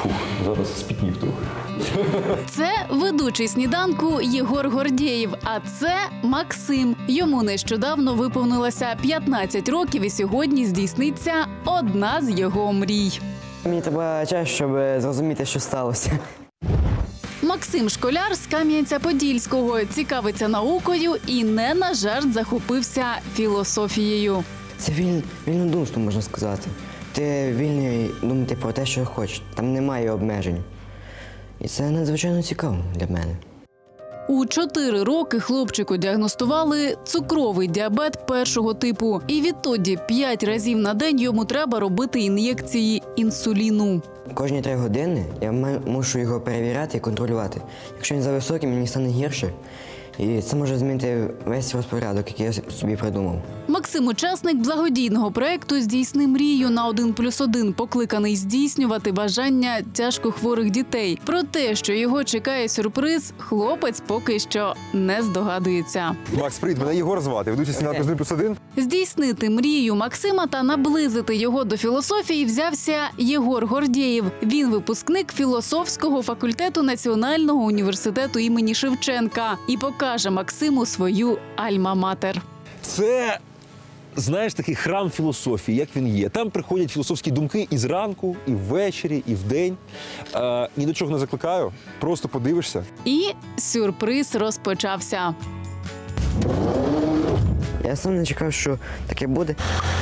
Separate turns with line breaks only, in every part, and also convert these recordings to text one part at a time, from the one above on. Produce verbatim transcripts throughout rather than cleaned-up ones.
Фух, зараз спітнів трохи.
Це ведучий сніданку Єгор Гордєєв, а це Максим. Йому нещодавно виповнилося п'ятнадцять років і сьогодні здійсниться одна з його мрій.
Мені треба час, щоб зрозуміти, що сталося.
Максим – школяр з Кам'янця-Подільського, цікавиться наукою і не на жарт захопився філософією.
Це віль... вільнодумство, можна сказати. Ти вільний думати про те, що хочеш. Там немає обмежень. І це надзвичайно цікаво для мене.
У чотири роки хлопчику діагностували цукровий діабет першого типу. І відтоді п'ять разів на день йому треба робити ін'єкції інсуліну.
Кожні три години я мушу його перевіряти і контролювати. Якщо він зависокий, мені стане гірше. І це може змінити весь розпорядок, який я собі придумав.
Максим – учасник благодійного проєкту «Здійсни мрію» на один плюс один, покликаний здійснювати бажання тяжкохворих дітей. Про те, що його чекає сюрприз, хлопець поки що не здогадується.
Макс, привіт, мене Єгор звати, ведучий сніданку один плюс один.
Здійснити мрію Максима та наблизити його до філософії взявся Єгор Гордєєв. Він випускник філософського факультету Національного університету імені Шевченка і покаже Максиму свою альма-матер.
Це, знаєш, такий храм філософії, як він є. Там приходять філософські думки і зранку, і ввечері, і вдень. Е, ні до чого не закликаю, просто подивишся.
І сюрприз розпочався.
Я сам не чекав, що таке буде.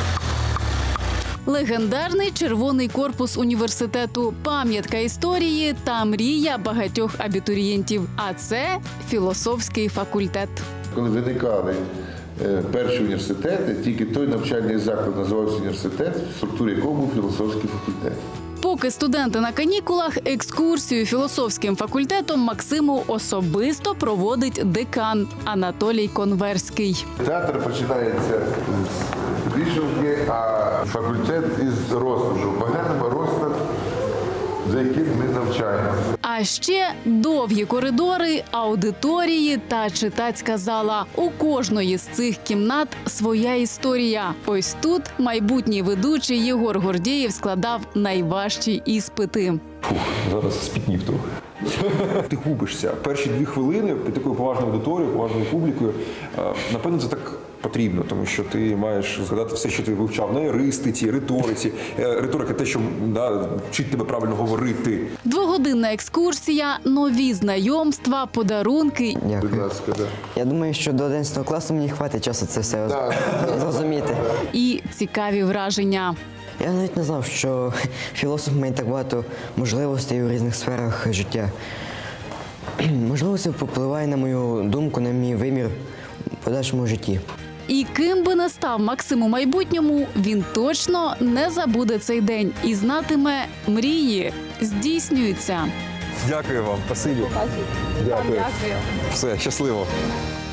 Легендарний червоний корпус університету, пам'ятка історії та мрія багатьох абітурієнтів. А це філософський факультет.
Коли виникали е, перші університети, тільки той навчальний заклад називався університет, в структурі якого був філософський факультет.
Поки студенти на канікулах, екскурсію філософським факультетом Максиму особисто проводить декан Анатолій Конверський.
Театр починається з вишивки, а факультет із розкладу. Поглянемо розклад, за яким ми навчаємо.
А ще довгі коридори, аудиторії та читацька зала. У кожної з цих кімнат своя історія. Ось тут майбутній ведучий Єгор Гордєєв складав найважчі іспити.
Фух, зараз спітнів трохи.
Ти губишся. Перші дві хвилини під такою поважною аудиторією, поважною публікою, е, напевно, це так потрібно, тому що ти маєш згадати все, що ти вивчав на еристиці, риториці. Е, риторика – те, що да, вчить тебе правильно говорити.
Двогодинна екскурсія, нові знайомства, подарунки.
Дякую.
Будь ласка, да.
Я думаю, що до одинадцятого класу мені хватить часу це все
Да.
зрозуміти.
І цікаві враження.
Я навіть не знав, що філософ має так багато можливостей у різних сферах життя. Можливо, це впливає на мою думку, на мій вимір у подальшому житті.
І ким би не став Максим у майбутньому, він точно не забуде цей день і знатиме, мрії здійснюються.
Дякую вам, спасибі. Дякую. Все, щасливо.